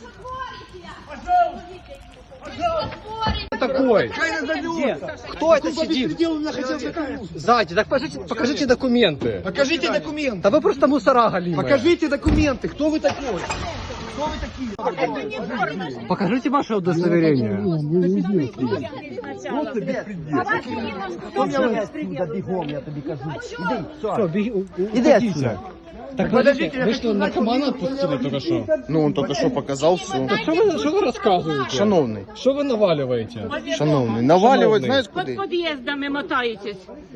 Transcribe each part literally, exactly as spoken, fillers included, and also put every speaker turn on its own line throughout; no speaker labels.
Такой. Где? Кто это сидит? Сзади, так покажите, покажите документы.
Покажите документы.
Да вы просто мусора галимые.
Покажите документы. Кто вы такой? Кто вы такие?
Покажите ваше удостоверение.
Просто беспредел. Бегом, я тебе кажу. Иди,
Все, беги,
Иди отсюда.
Так подождите, вы что, наркомана отпустили только что?
Ну, он только що показав все.
Так что вы, что вы рассказываете?
Шановний,
Что вы наваливаете?
шановний, навалювати,
Шановний.
знаєш
Под
куди?
подъездами мотаетесь.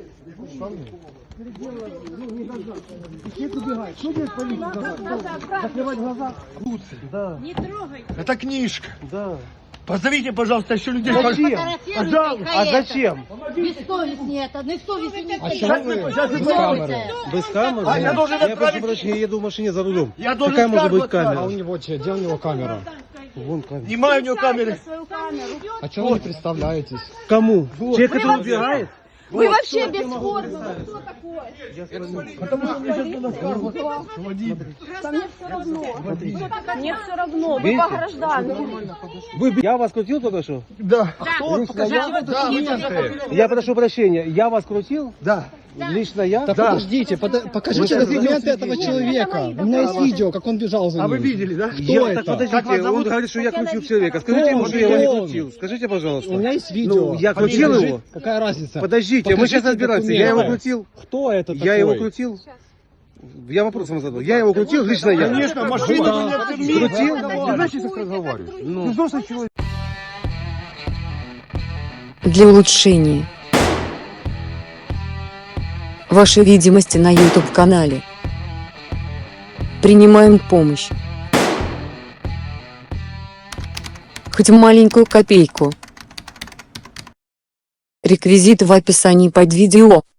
Закрывать глаза. Да.
Не трогай.
Это книжка. Да. Позовите, пожалуйста, еще людей.
Зачем?
Пожалуйста. А зачем?
Бессовестнее это, бессовестнее не
А
стоит.
чего вы
Сейчас
без
вы
камеры?
Без камеры?
А я должен
Я прошу
отправить-
прощения, я еду в машине за рулем.
Я должен
Какая может
скаргу
быть камера?
А у него че? Где у него камера?
Вон камера.
Снимаю у него камеры.
А чего вы не представляетесь?
Кому? Человек, который убирает?
Вы вообще без формы. Вы кто такой?
Потому что мне сейчас надо скаргу.
Да мне все равно. Мне все равно. Вы
Видите?
по гражданам.
Вы, я вас крутил только что?
Да.
Кто? Покажите документы.
Я прошу прощения, я вас крутил?
Да.
Лично я?
Да, подождите, пода- покажите
Вы
документы
сейчас
этого человека. У меня есть видео, как он бежал за
А
ним.
вы видели, да?
Кто
Я-
это?
Так подождите,
Как вас
он
зовут?
говорит, что я крутил человека. Скажите ему,
он?
что я его не
Кто он?
крутил. Скажите, пожалуйста.
У меня есть видео.
Ну, я крутил
Покажите.
его?
Какая разница?
Подождите, мы
Покажите
сейчас разбираемся. Я его
документы.
крутил?
Кто это такой?
Я его крутил? Я вопросом задал. Я его крутил, лично я.
Конечно, машину
Да.
вы не оценили.
Крутил?
Знаешь, я так разговариваю.
Ну.
взрослый человек.
Для улучшения вашей видимости на YouTube-канале принимаем помощь. Хоть маленькую копейку. Реквизиты в описании под видео.